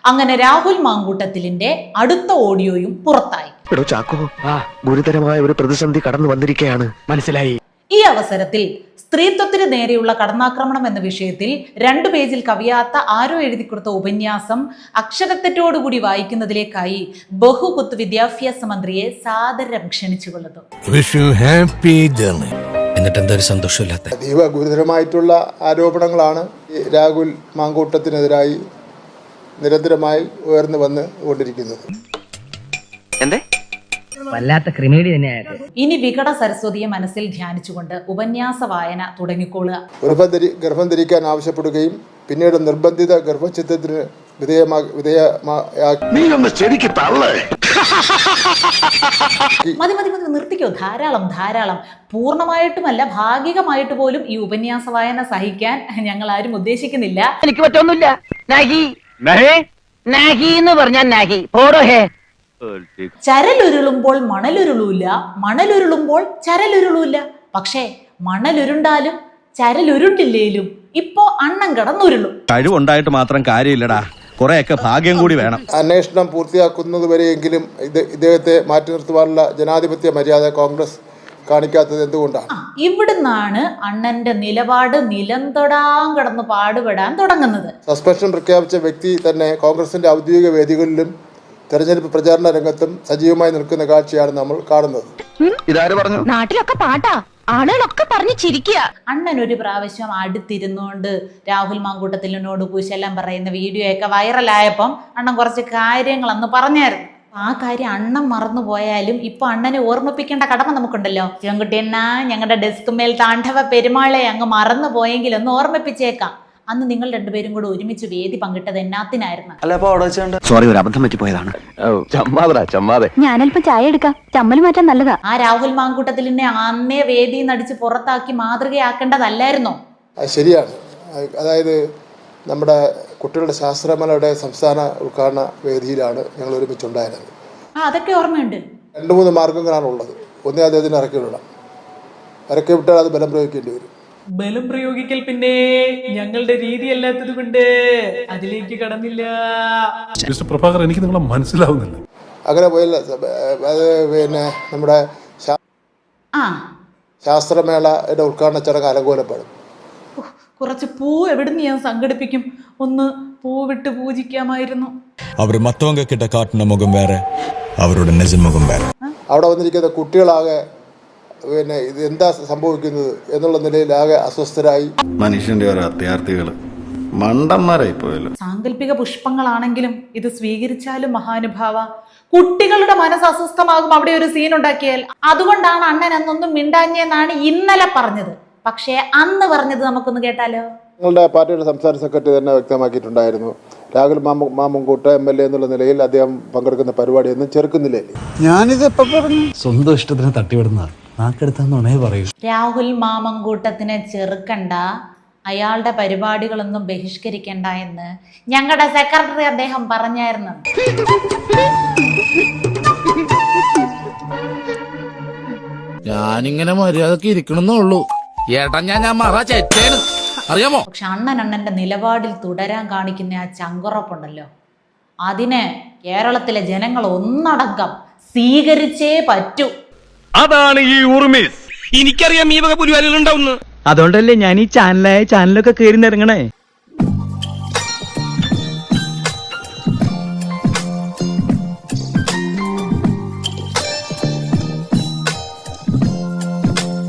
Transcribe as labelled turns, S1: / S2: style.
S1: അങ്ങനെ രാഹുൽ മാങ്കൂട്ടത്തിലിന്റെ അടുത്ത ഓഡിയോയും പുറത്തായി.
S2: ഗുരുതരമായ ഒരു പ്രതിസന്ധി കടന്നു വന്നിരിക്കുകയാണ്, മനസ്സിലായി.
S1: ഈ അവസരത്തിൽ സ്ത്രീത്വത്തിന് നേരെയുള്ള കടന്നാക്രമണം എന്ന വിഷയത്തിൽ 2 പേജിൽ കവിയാത്ത ആരോ എഴുതി കൊടുത്ത ഉപന്യാസം അക്ഷരത്തെറ്റോടുകൂടി വായിക്കുന്നതിലേക്കായി ബഹുകുത്ത് വിദ്യാഭ്യാസ മന്ത്രിയെ സാദരം ക്ഷണിച്ചുകൊള്ളുന്നു.
S3: എന്നിട്ട് എന്തൊരു സന്തോഷമില്ലാത്ത
S4: അതീവ ഗുരുതരമായിട്ടുള്ള ആരോപണങ്ങളാണ് രാഹുൽ മാങ്കൂട്ടത്തിനെതിരായി നിരന്തരമായി ഉയർന്നു വന്നുകൊണ്ടിരിക്കുന്നത്.
S5: വല്ലാത്ത ക്രിമിനൽ തന്നെയായിരുന്നു.
S1: ഇനി വികട സരസ്വതിയെ മനസ്സിൽ ധ്യാനിച്ചുകൊണ്ട് ഉപന്യാസ വായന തുടങ്ങിക്കൊള്ളുക.
S4: ഗർഭം ധരിക്കാൻ ആവശ്യപ്പെടുകയും പിന്നീട് നിർബന്ധിത ഗർഭഛിദ്രത്തിന്
S1: മതി നിർത്തിക്കോ. ധാരാളം. പൂർണ്ണമായിട്ടുമല്ല, ഭാഗികമായിട്ട് പോലും ഈ ഉപന്യാസ വായന സഹിക്കാൻ ഞങ്ങൾ ആരും ഉദ്ദേശിക്കുന്നില്ല.
S5: എനിക്ക് പറ്റൊന്നുമില്ല.
S1: ചരലുരുളുമ്പോൾ മണലുരുളൂല്ല, മണലുരുളുമ്പോൾ ചരലുരുളൂല്ല. പക്ഷേ മണലുരുണ്ടാലും ചരലുരുണ്ടില്ലേലും ഇപ്പോ അണ്ണം കിടന്നുരുളും.
S6: കഴിവുണ്ടായിട്ട് മാത്രം കാര്യമില്ലടാ, കുറെയൊക്കെ ഭാഗ്യം കൂടി വേണം.
S4: അന്വേഷണം പൂർത്തിയാക്കുന്നതുവരെയെങ്കിലും ഇദ്ദേഹത്തെ മാറ്റി നിർത്തുവാനുള്ള ജനാധിപത്യ മര്യാദ കോൺഗ്രസ് കാണിക്കാത്തത് എന്തുകൊണ്ടാണ്?
S1: ഇവിടുന്നാണ് അണ്ണന്റെ നിലപാട് നിലംതൊടാൻ കിടന്ന് പാടുപെടാൻ തുടങ്ങുന്നത്.
S4: സസ്പെൻഷൻ പ്രഖ്യാപിച്ച വ്യക്തി തന്നെ കോൺഗ്രസിന്റെ ഔദ്യോഗിക വേദികളിലും തെരഞ്ഞെടുപ്പ് പ്രചാരണ രംഗത്തും സജീവമായി നിൽക്കുന്ന കാഴ്ചയാണ് നമ്മൾ കാണുന്നത്.
S2: ഇതാര് പറഞ്ഞു?
S7: നാട്ടിലൊക്കെ പാട്ടാ, ആളുകളൊക്കെ പറഞ്ഞു ചിരിക്കുക.
S1: അണ്ണൻ ഒരു പ്രാവശ്യം അടുത്തിരുന്നുകൊണ്ട് രാഹുൽ മാങ്കൂട്ടത്തിലിനോട് കുശലം പറയുന്ന വീഡിയോ ഒക്കെ വൈറലായപ്പം അണ്ണൻ കുറച്ച് കാര്യങ്ങൾ അന്ന് പറഞ്ഞായിരുന്നു. ആ കാര്യം അണ്ണൻ മറന്നുപോയാലും ഇപ്പൊ അണ്ണനെ ഓർമ്മിപ്പിക്കേണ്ട കടമ നമുക്കുണ്ടല്ലോ. ചെങ്കുട്ടിയണ്ണ, ഞങ്ങളുടെ ഡെസ്ക് മേൽ താണ്ഡവ പെരുമാളെ അങ്ങ് മറന്നു പോയെങ്കിൽ ഒന്ന് ഓർമ്മിപ്പിച്ചേക്കാം. അന്ന് നിങ്ങൾ 2 പേരും കൂടെ ഒരുമിച്ച് വേദി പങ്കിട്ടത് എന്നാത്തിനായിരുന്നു?
S2: സോറി, ഒരു അബദ്ധം പറ്റിപ്പോയതാണ്.
S7: ഞാനല്പം ചായ എടുക്കാം, ചമ്മൽ മാറ്റാൻ നല്ലതാ.
S1: ആ രാഹുൽ മാങ്കൂട്ടത്തിലിനെ അന്നേ വേദിയിൽ നടിച്ച് പുറത്താക്കി മാതൃകയാക്കേണ്ടതല്ലായിരുന്നോ?
S4: ശരിയാണ്. അതായത് നമ്മുടെ കുട്ടികളുടെ ശാസ്ത്രമേളയുടെ സംസ്ഥാന ഉദ്ഘാടന വേദിയിലാണ് ഞങ്ങൾ ഒരുമിച്ചുണ്ടായിരുന്നത്.
S1: അതൊക്കെ ഓർമ്മയുണ്ട്.
S4: 2-3 മാർഗങ്ങളാണ് ഉള്ളത്. ഒന്നേ അദ്ദേഹത്തിന് ഇറക്കി വിടണം. ഇറക്കി വിട്ടാൽ അത് ബലം പ്രയോഗിക്കേണ്ടി വരും.
S1: ബലം പ്രയോഗിക്കൽ പിന്നെ ഞങ്ങളുടെ രീതി അല്ലാത്തത് കൊണ്ട് അതിലേക്ക് കടന്നില്ല.
S8: പ്രഭാകർ, എനിക്ക് നിങ്ങളെ മനസ്സിലാവുന്നില്ല.
S4: അങ്ങനെ പോയില്ല. അത് പിന്നെ നമ്മുടെ ശാസ്ത്രമേളയുടെ ഉദ്ഘാടന ചടങ്ങ് അലങ്കോലപ്പെടും.
S1: കുറച്ച് പൂ എവിടുന്ന് ഞാൻ സംഘടിപ്പിക്കും? ഒന്ന് പൂവിട്ട് പൂജിക്കാമായിരുന്നു.
S3: അവർ മറ്റവങ്ക കിട്ട കാട്ടുന്ന മുഖം വേറെ, അവരുടെ നിജമുഖം വേറെ.
S4: അവിടെ വന്നിരിക്കുന്ന കുട്ടികളാകെ പിന്നെ ഇത് എന്താ സംഭവിക്കുന്നത് എന്നുള്ള നിലയിൽ ആകെ അസ്വസ്ഥരായി.
S9: മനുഷ്യന്റെ ഓരോ അത്യാർത്ഥികൾ മണ്ടന്മാരായി പോയല്ലോ.
S1: സാങ്കല്പിക പുഷ്പങ്ങളാണെങ്കിലും ഇത് സ്വീകരിച്ചാലും മഹാനുഭാവ, കുട്ടികളുടെ മനസ്സ് അസ്വസ്ഥമാകും അവിടെ ഒരു സീൻ ഉണ്ടാക്കിയാൽ. അതുകൊണ്ടാണ് അണ്ണൻ അന്നൊന്നും മിണ്ടാഞ്ഞെന്നാണ് ഇന്നലെ പറഞ്ഞത്. പക്ഷേ അന്ന് പറഞ്ഞത് നമുക്കൊന്ന് കേട്ടാലോ?
S4: നിങ്ങളുടെ പാർട്ടിയുടെ സംസ്ഥാന സെക്രട്ടറി തന്നെ വ്യക്തമാക്കിയിട്ടുണ്ടായിരുന്നു, രാഹുൽ മാമങ്കൂട്ട MLA എന്നുള്ള നിലയിൽ അദ്ദേഹം പങ്കെടുക്കുന്ന പരിപാടിയൊന്നും ചെറുക്കുന്നില്ലേ.
S9: ഞാനിത് എപ്പോ പറഞ്ഞു?
S3: സ്വന്തം ഇഷ്ടത്തിന് തട്ടിവിടുന്ന നാക്കെടുത്താന്നുണേ പറയൂ.
S1: രാഹുൽ മാമങ്കൂട്ടത്തിനെ ചെറുക്കണ്ട, അയാളുടെ പരിപാടികളൊന്നും ബഹിഷ്കരിക്കണ്ട എന്ന് ഞങ്ങളുടെ സെക്രട്ടറി അദ്ദേഹം പറഞ്ഞായിരുന്നു.
S10: ഞാനിങ്ങനെ മര്യാദക്ക് ഇരിക്കണമെന്നുള്ളൂ. ഏട്ടാ ഞാൻ മറ ചേച്ചേന് അറിയാമോ?
S1: പക്ഷെ അണ്ണന്റെ നിലപാടിൽ തുടരാൻ കാണിക്കുന്ന ആ ചങ്കുറപ്പുണ്ടല്ലോ, അതിനെ കേരളത്തിലെ ജനങ്ങൾ ഒന്നടങ്കം സ്വീകരിച്ചേ പറ്റൂ.
S6: അതാണ് ഈ ഉറുമീസ്. എനിക്കറിയാം ഈ വക പുലിവാലുകൾ ഉണ്ടാവുന്നു.
S5: അതുകൊണ്ടല്ലേ ഞാൻ ഈ ചാനലൊക്കെ കയറി ഇറങ്ങണേ.